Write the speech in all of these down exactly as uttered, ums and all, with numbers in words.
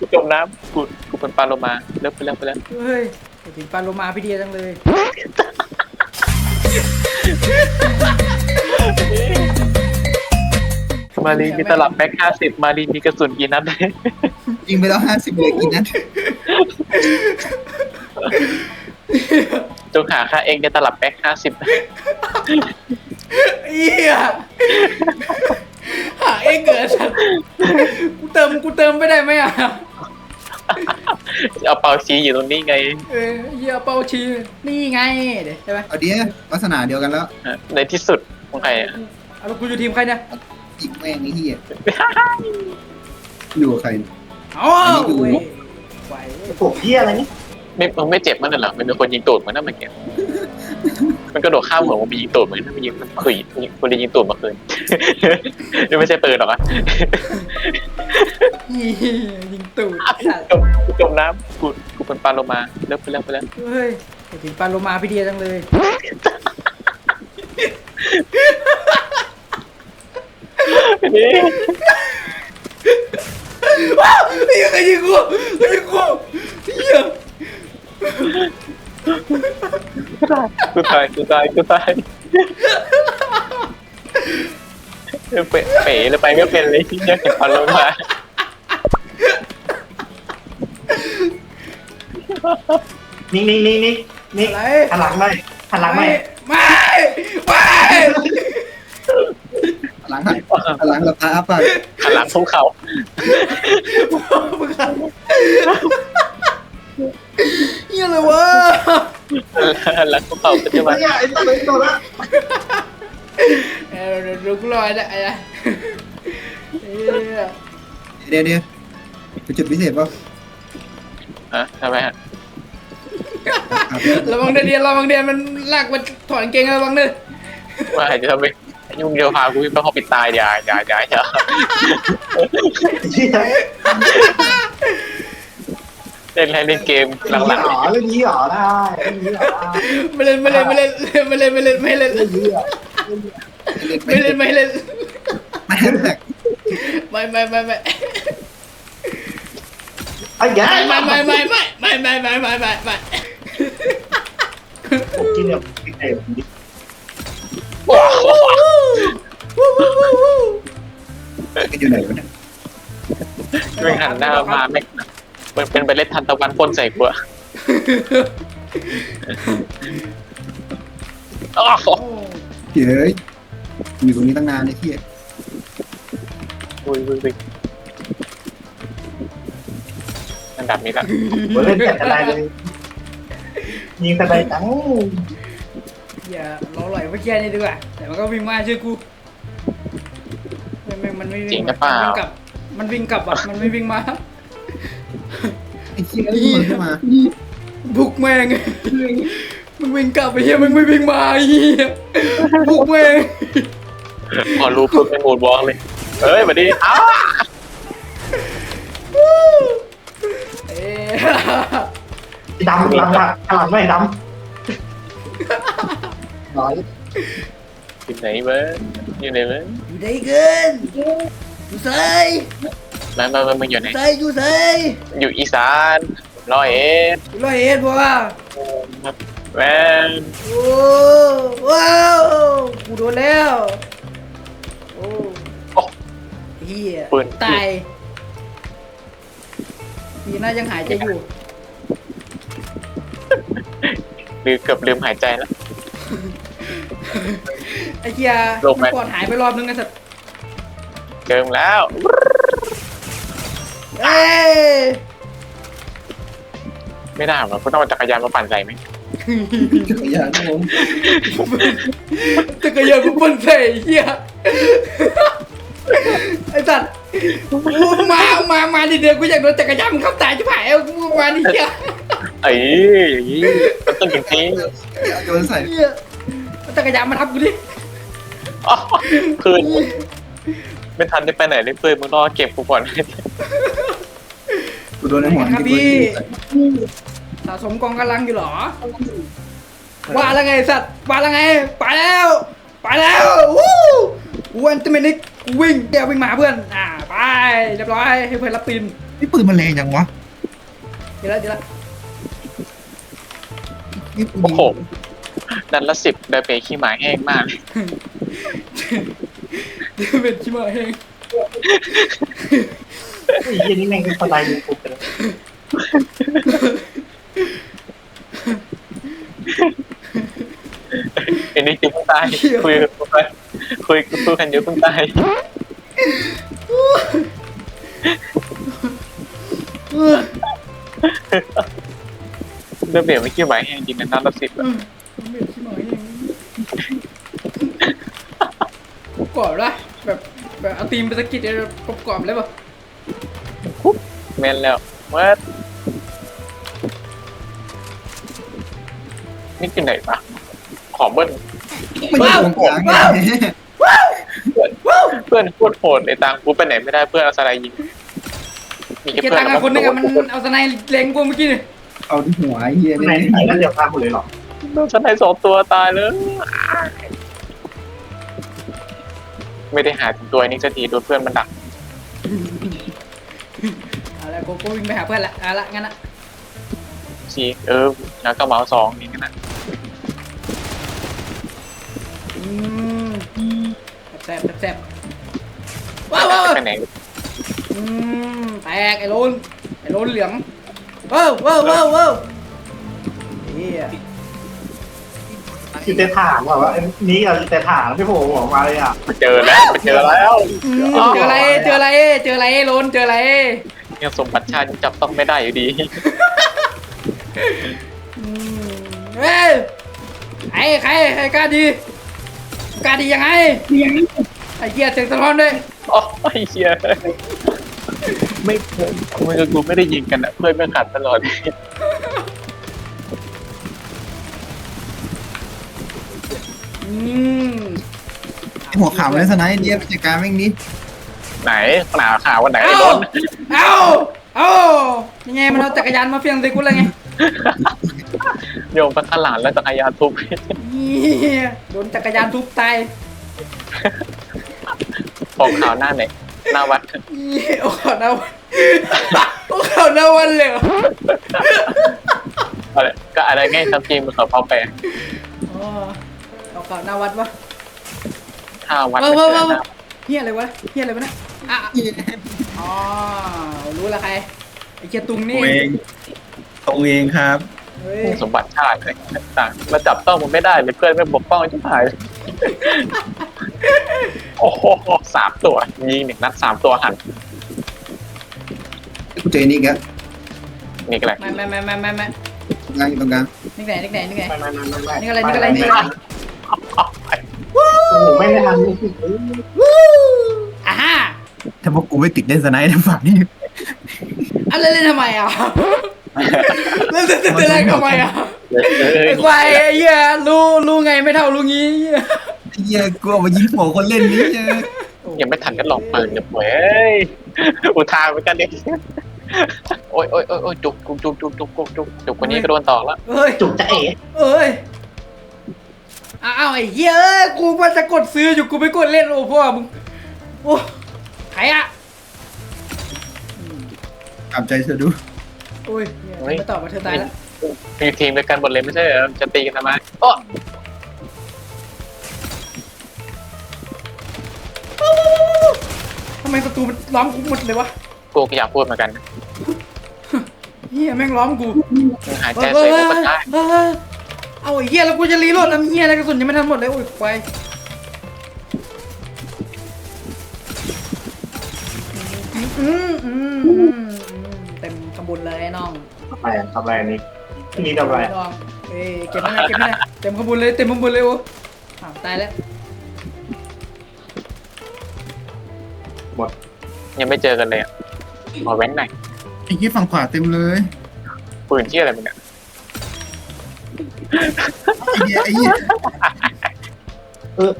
กูจมน้ำกูกูเป็นปลาโลมาเลิกไปแล้วไปแล้วเฮ้ยถึงปลาโลมาพี่เดียจังเลยมารีมีตลับแม็กห้าสิบมารีมีกระสุนกี่นัดยิงไปแล้วห้าสิบเลยกินนะจงหาค่าเองในตลับแม็กห้าสิบเอี้ยหาเองเกิดสัตว์กูเติมกูเติมไม่ได้ไหมอ่ะเอาเปาชี้อยู่ตรงนี้ไงเออเหี้ยเป้าชีนี่ไงเดี๋ยวใช่ไหมเอาเดียวลักษณะเดียวกันแล้วในที่สุดของใครอ่ะเอาแล้วกูอยู่ทีมใครเนี่ยอีกแม่งไอ้เหี้ยอยู่กับใครอ๋ออันนี้อยู่เว้ยไหวผมเฮียอะไรนี่ไม่มึงไม่เจ็บมันเหรอมันเป็นคนยิงตูดมันนั่นมันเก็บมันกระโดดข้ามหัวมันมียิงตูดเหมือนมันยิงมันขุยคนยิงตูดมาคืน นี่ไม่ใช่ปืนหรอกอะเหี้ยยิงตูดสัตว์จมกูจมน้ำกูกูเป็นปลาโลมาเลิกไปแล้วไปแล้วเฮ้ยถึงปลาโลมาพี่เดียจังเลยนี่ว้าวไอ้ยังไงยิงกูไอ้ยิงกูเหี้ยกูตายกูตายกูตายเป๋เป๋เลยไปไม่เป็นเลยที่ยังเก็บปลาโลมานี่นี่นี่นี่นี่อะไรหันหลังไม่หันหลังไม่ไม่ไม่หลังหันหลังหลับตาอ้าปากหันหลังทุ่งเขามึงอะเหี้ยอะไรวะหันหลังทุ่งเขาปัจจุบันไอ้ตัวนี้ตัวละเออเดี๋ยวดูกูรอได้ไอ้เนี่ยเหี้ยเดี๋ยวเดี๋ยวเป็นจุดพิเศษป่ะอ่ะทำไมฮะระวังเดียนระวังเดียนมันลากมันถอดกางเกงระวังเด้อว่าจะทำไมยุ่งเดียวพากูไปเขาปิดตายอย่าอย่าอย่าอย่าเฮียเล่นเล่นเกมหลังหรอเรื่องนี้หรอได้เรื่องนี้หรอได้ไม่เล่นไม่เล่นไม่เล่นไม่เล่นไม่เล่นไม่เล่นเรื่องนี้หรอไม่เล่นไม่เล่นไม่แฮชแท็กไม่ไม่ไม่ไม่ไอ้ยัไม่ยไม่ไม่ไม่ไม่ไม่ไม่ไม่ไม่ไม่ผมกินแบบกินเองๆว้าวกันอยู่ไหนวะเนี่ยไม่หันหน้ามาไม่มันเป็นไปเล่นทันตะวันพ่นใส่กูอะอ้าวเฮ้ยอยู่ตรงนี้ตั้งนานไอ้เหี้ยอุ้ยอุ้ยอุ้ยอันดับนี้ละผมเล่นแต่อะไรเลยยิงแต่ใดจังอย่าล้อหลอยเมื่อกี้นี่ดีกว่าแต่มันก็วิ่งมาช่วยกูมันมันไม่วิ่งกลับมันวิ่งกลับอ่ะมันไม่วิ่งมาไอ้เหี้ยนี่มันขึ้นมาบุกแม่งมึงวิ่งกลับไปเฮียมึงไม่วิ่งมาเฮียบุกแม่งพอรู้ปุ๊บเป็นโหมดวอล์กเลยเฮ้ยมาดิอ้าเอ๊ดำหลังอ่ะหลังไม่ดำร้อยอยู่ไหนเว้ยอยู่ไหนเว้ยอยู่ได้เกินอยู่ใส่มามามามึงอยู่ไหนใส่อยู่ใส่อยู่อีสานร้อยเอ็ดอยู่ร้อยเอ็ดบัวแม่งโอ้ว้าวกูโดนแล้วโอ้โอ้เฮียปืนตายดีน่ายังหายใจอยู่ลืมเกือบลืมหายใจแล้วไอ้เฮียลงไหมก่อนหายไปรอบนึงไอ้สัตว์เจิมแล้วเอ้ยไม่ได้หรอกกูต้องเอาจักรยานมาปั่นใส่ไหมจักรยานครับผมจักรยานกูปั่นใส่เฮียไอ้สัตว์มามามาดิเดียวกูอยากโดนจักรยานมึงเข้าตายจะผ่ายเอากูมาดิเฮียเอ้ยอย่างนี้มันต้องอย่างนี้โยนใส่เฮียเอาจักรยานมาทับกูดิอ๋อเพื่อนไม่ทันได้ไปไหนเลยเพื่อนมึงรอเก็บกูก่อนกูโดนไอ้หมอนครับที่พี่สะสมกองกำลังอยู่เหรอว่าแล้วไงสัตว์ว่าแล้วไงไปแล้วไปแล้ววู้กูอันเตอร์เมนิกกูวิ่งเดี๋ยววิ่งมาเพื่อนอ่าไปเรียบร้อยให้เพื่อนรับตีนนี่ปืนมันแรงจังวะเดี๋ยวละเดี๋ยวละนี่ปืนโอ้โหดันละสิบได้เปขี้หมาแห้งมากเดี๋ยวเป็นชิมาเองไอ้ยี่นี่แม่งเป็นสไลด์ยูทูบเลยไอ้นี่จิ๋งตายคุยกันไปคุยคุยกันเยอะเพิ่งตายเออเรื่องเปลี่ยนไม่ขี้หมาแห้งจริงนะนัดละสิบเออเป็นชิมาเองกรอบละแบบแบบเอาตีมไปสกิดกรอบๆเลยป่ะแม่นแล้วว่านี่กินไหนปะขอเบิ้ลไม่อยู่ตรงกลางไงเพื่อนโคตรโหดไอ้ตังกูไปไหนไม่ได้เพื่อนเอาสไลด์ยิงมีแค่เกียเพื่อตังนค์คนนึงอะมันเอาสไนเล็งกูเมื่อกี้เนี่ยเอาที่หัวไอ้เหี้ยข้างในเนี่ยไหนก็เดี๋ยวพาหมดเลยหรอโดนสไลด์สองตัวตายเลยไม่ได้หาถึงตัวนี้สักทีโดนเพื่อนมันดักเอาละกูกูวิ่งไปหาเพื่อนละเอาละงั้นอะชีเออแล้วก็เมาส์สองนี่นะอืมแซ่บแซ่บว้าวว้าวไปไหนอืมแตกไอ้โลนไอ้โลนเหลืองว้าวว้าวว้าวว้าวเฮียคือแต่ถามว่าว่านี่กับแต่ถามพี่โผล่ออกมาเลยอ่ะไปเจอแล้วไปเจอแล้วอืมเจออะไรเจออะไรเจออะไรโลนเจออะไรยังสมบัติชาติจับต้องไม่ได้อยู่ดีอืมเฮ้ยใครใครใครกล้าดีกล้าดียังไงไอ้เหี้ยเสียงสะท้อนด้วยอ๋อไอ้เชี่ยไม่เพื่อนมึงกับกูไม่ได้ยิงกันอ่ะเพื่อนไม่ขัดตลอดอืมไอ้หัวขาวเลยสไนด์เนี่ยไปจัดการแม่งนี้ไหนขนาดข่าววันไหนไอ้เอ้าโดนเอ้าเอ้ายังไงมันเอาจักรยานมาเฟียงใส่กูเลยไงโยมไปข้างหลังแล้วจักรยานทุบเหี้ยโดนจักรยานทุบตายของข่าวหน้าไหนหน้าวัดเหี้ยโอ้ข่าวหน้าวันโอ้ข่าวหน้าวันเลยเหรออะไรก็อะไรง่ายทำจริงมันเขาพอแปลอ๋อเอาข่าวหน้าวัดวะห้าวัดว้าไปวว้าวเจอว้าวหน้าเฮียอะไรวะเฮียอะไรวะเนี่ยอ่ะอ๋อรู้ละใครไอ้เกียตุงตันี่วเองตัวเองครับเฮ้ยสมบัติชาติอะไรต่างมาจับต้องมันไม่ได้เลยเพื่อนไม่ปกป้องชิบหายโอ้โหสามตัวยิงหนึ่งนัดสามตัวหันกูเจอนี่กันนี่ก็แหละไม่ไม่ไม่ไม่ไม่ไม่ตรงกลางอยู่ตรงกลางนี่ไหนนี่ไหนนี่ไหนไม่ไม่ไม่ไม่ไม่นี่อะไรนี่อะไรนี่อะไรโอ้โหไม่ได้ทันนี่คือวู้อ่าฮะถ้าพวกกูไม่ติดเล่นสไนด์ในฝั่งนี้เอาเล่นเล่นทำไมอ่ะเล่นเล่นเล่นเล่นทำไมอ่ะเฮ้ยไอ้ควายไอ้เหี้ยรู้รู้ไงไม่เท่ารู้งี้เหี้ยไอ้เหี้ยกูเอามายิงหัวคนเล่นนี่เหี้ยยังไม่ทันกันหลอกปืนเดี๋ยวเว้ยอุทานเหมือนกันเด็กโอ้ยโอ้ยโอ้ยโอ้ยจุกจุกจุกจุกจุกจุกจุกจุกคนนี้ก็โดนต่อแล้วเอ้ยจุกจะเอ๋เอ้ยอ้าวไอ้เหี้ยเอ้ยกูว่าจะกดซื้ออยู่กูไม่กดเล่นโอ้พ่อมึงโอ้ใครอ่ะกลับใจเธอดูโอ้ยเนี่ยไม่ตอบมาเธอตายแล้วมีทีมด้วยกันหมดเลยไม่ใช่เหรอจะตีกันทำไมโอ้ทำไมศัตรูมันล้อมกูหมดเลยวะกูก็อยากพูดเหมือนกันเฮียแม่งล้อมกูมึงหายใจเสยก็ได้เออเอาไอ้เฮียแล้วกูจะรีโหลดทำเฮียอะไรกระสุนยังไม่ทันหมดเลยโอ้ยควายอืมอืมอืมเต็มขบวนเลยน้องทำอะไรทำอะไรนี่นี่ทำอะไรน้องเอ้ยเก็บไม่ได้เก็บไม่ได้เต็มขบวนเลยเต็มขบวนเลยโอ้อ้าวตายแล้วหมดยังไม่เจอกันเลยอ่ะขอแว้นหน่อยไอ้เหี้ยฝั่งขวาเต็มเลยปืนที่อะไรมึงเนี่ยไอ้เหี้ยไอ้เหี้ยเออ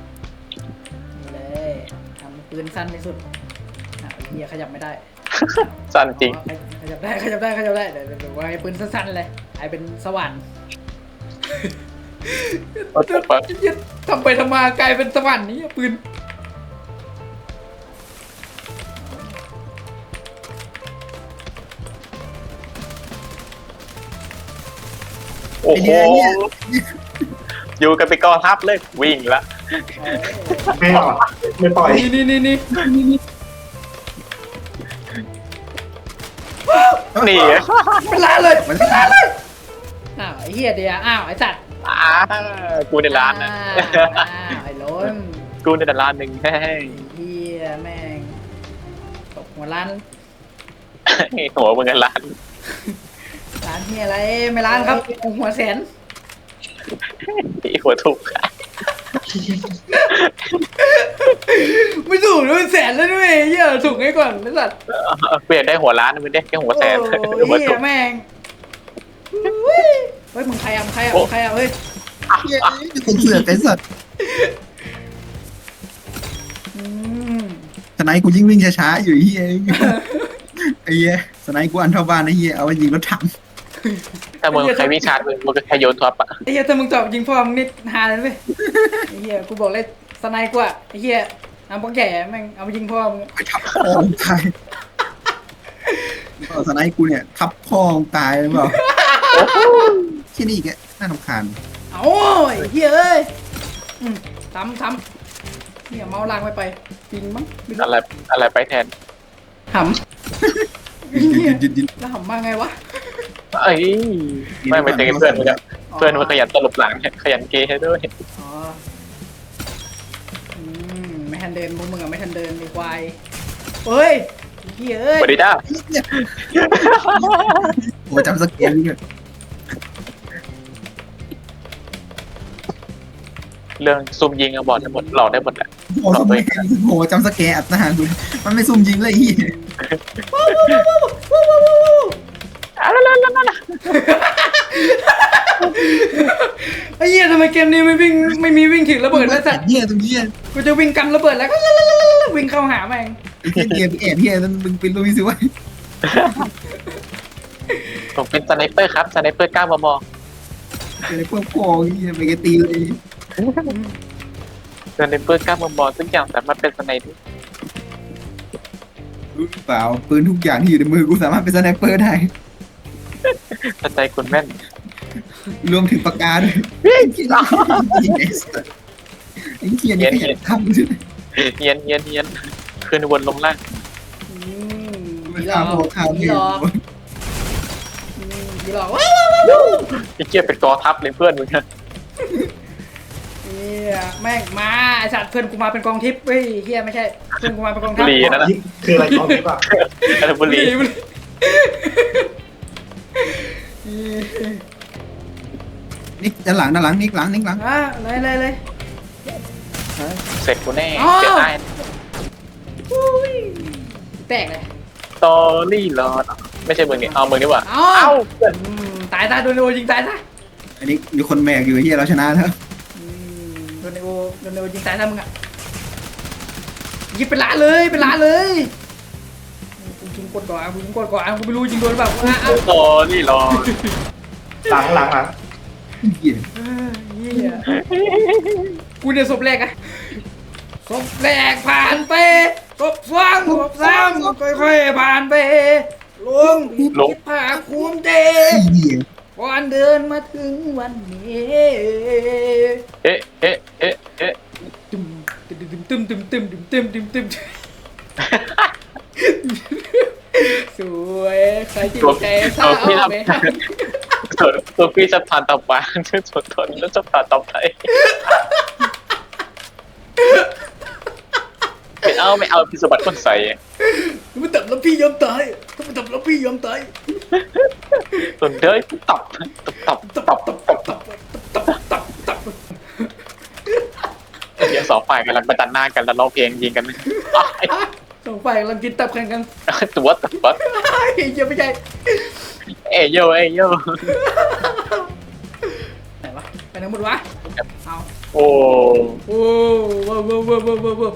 เลยทำปืนสั้นที่สุดอ้าวไอ้เฮียขยับไม่ได้สั้นจริงขยับได้ขยับได้ขยับได้เดี๋ยวเดี๋ยวว่าไอ้ปืนสั้นๆเลยไอ้เป็นสว่านโอ้โหเปิดทำไปทำมากลายเป็นสวรรค์นี้ปืนโอ้โหอยู่กันไปกองทัพเลยวิ่งละไม่หรอกไม่ปล่อยนี่นี่นี่นี่นี่เป็นล้านเลยเป็นล้านเลยอ้าวไอ้เหี้ยเดียวอ้าวไอ้สัตว์อ่ากูในร้านนะอ้าวไอ้ล้นกูในร้านหนึ่งเฮ้ยไอ้เหี้ยแม่งตกหัวล้านหัวมึงกันร้านร้านเหี้ยอะไรไม่ร้านครับหัวแสนที่หัวถูกไม่ถูกด้วยแสนแล้วด้วยเหี้ยถูกให้ก่อนไอ้สัตว์เปลี่ยนได้หัวร้านมึงได้แค่หัวแสนโอ้หัวยเหี้ถูยกแม่งเฮ้ยเฮ้ยมึงใครอ่ะมึงใครอ่ะมึงใครอ่ะเฮ้ยเหี้ยคนเสือกไอ้สัตว์อืมสไนกูยิ่งวิ่งช้าๆอยู่ไอ้เฮียไอ้เฮียสไนกูอันเท่าบ้านไอ้เฮียเอาไปยิงรถถังถ้ามึงใครวิ่งชาร์จมึงมึงก็แค่โยนท็อปอะไอ้เหี้ยถ้ามึงตอบยิงพ่อมึงนี่ฮาเลยเว้ยไอ้เหี้ยกูบอกเลยสไนกูอ่ะไอ้เหี้ยเอาพวกแก่แม่งเอาไปยิงพ่อมึงไปทับพ่อมึงตายก็สไนกูเนี่ยทับพ่อมึงตายหรือเปล่าที่นี่แกน่ารำคาญเอาไอ้เหี้ยเอ้ยอืมทำทำเนี่ยเมาส์ลางไปไปจริงมั้งไม่รู้อะไรอะไรไปแทนหำไอ้เหี้ยยืนยืนแล้วหำมาไงวะเอ้ยไม่ไปเจอเพื่อนมึงอะเพื่อนมันขยันตลบหลังขยันเกย์ให้ด้วยอ๋ออืมไม่ทันเดินพวกมึงอะไม่ทันเดินไอ้ควายเฮ้ยไอ้เหี้ยเอ้ยสวัสดีจ้าโอ้จำสเกลนี่เลยเรื่องซุ่มยิงอะบอดได้หมดหลอกได้หมดแหละโอ้ซุ่มโอ้จำสเกลอัดทหารดูมันไม่ซุ่มยิงเลยไอ้เฮียอะไรล่ะล่ะล่ะไอ้เหี้ยทำไมเกมนี้ไม่วิ่งไม่มีวิ่งถึงระเบิดแล้วสัตว์เฮียตรงเฮียกูจะวิ่งกันระเบิดแล้วก็วิ่งเข้าหาแม่งไอ้เฮียเกมแอบเฮียนั่นมึงเป็นลุยสิวะผมเป็นสไนเปอร์ครับสไนเปอร์เก้ามมเป็นไอ้พวกพ่อเฮียไปกตีเลยสไนเปอร์เก้ามมทุกอย่างสามารถเป็นสไนได้รู้เปล่าปืนทุกอย่างที่อยู่ในมือกูสามารถเป็นสไนเปอร์ได้เข้าใจคุณแม่นรวมถึงปากกาด้วยไอ้เฮียไอ้เฮียนี่ขยันทำใช่ไหมเฮียนเฮียนเฮียนขึ้นวนลงล่างอืมมันผีหลข้าอวกข้าวผีนี่หลอกอืมผีหลอกว้าวว้าวว้าวไอ้เกียเป็นกอทัพเลยเพื่อนมึงนะเฮียแม่งมาไอสัตว์เพื่อนกูมาเป็นกองทิพย์เฮ้ยเฮียไม่ใช่เพื่อนกูมาเป็นกองบุทัพรีนั่นนะคืออะไรกองทิพย์อะอะไรบุรีบุรีนิกด้านหลังด้านหลังนิกหลังนิกหลังอ่ะเลยเลยเลยเสร็จกูแน่อ๋อเจอได้อุ้ยแตกเลยตอรี่รอดไม่ใช่มึงนี่เอามึงนี่หว่าเอ้าเอ้าเพื่อนอืมตายตายโดนโอยิงตายซะอันนี้มีคนแบกอยู่เฮียเราชนะแล้วอืมโดนโอโดนโอยิงตายซะมึงอ่ะยิงเป็นล้านเลยเป็นล้านเลยกูยิงกดก่อนกูยิงกดก่อนกูไม่รู้ยิงโดนหรือเปล่าอ่ะอ่ะตอรี่รอดหลังหลังหลังเฮียเออเหี้ยกูเนี่ยศพแรกอะศพแรกผ่านไปศพสองศพสามค่อยๆผ่านไปลงคิดผ่าคูมเจเฮียก่อนเดินมาถึงวันนี้เอ๊ะเอ๊ะเอ๊ะเอ๊ะตึมตึมตึมตึมตึมตึมตึมตึมตึมสวยใครที่ใจเศร้าเอาไปให้ส่วนตัวพี่จะผ่านต่อไปส่วนทนแล้วจะผ่านต่อไปไม่เอาไม่เอาพิสบัติคนใส่มันตับแล้วพี่ยอมตายถ้ามันตับแล้วพี่ยอมตายส่วนเด้ยตับตับตับตับตับตับตับตับตับตับตับเดี๋ยวสองฝ่ายกำลังประจันหน้ากันแล้วร้องเพลงยิงกันสองฝ่ายกำลังกินตับแข่งกันตัวตัวเฮ้ยยังไม่ใช่เอโยเอโยไหนวะไปไหนหมดวะเอาโอ้โอ้ว้าวว้าวว้าวว้าวว้าว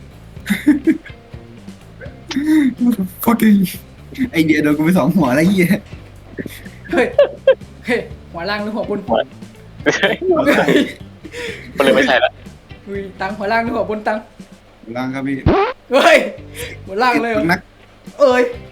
โคตรไอเดียโดนกูไปสองหัวแล้วเฮียเฮ้ยเฮ้ยหัวล่างหรือหัวบนหัวเฮ้ยมันเลยไม่ใช่ละอุ้ยตังหัวล่างหรือหัวบนตังล่างครับพี่เฮ้ยหัวล่างเลยเหรอนักเอ้ย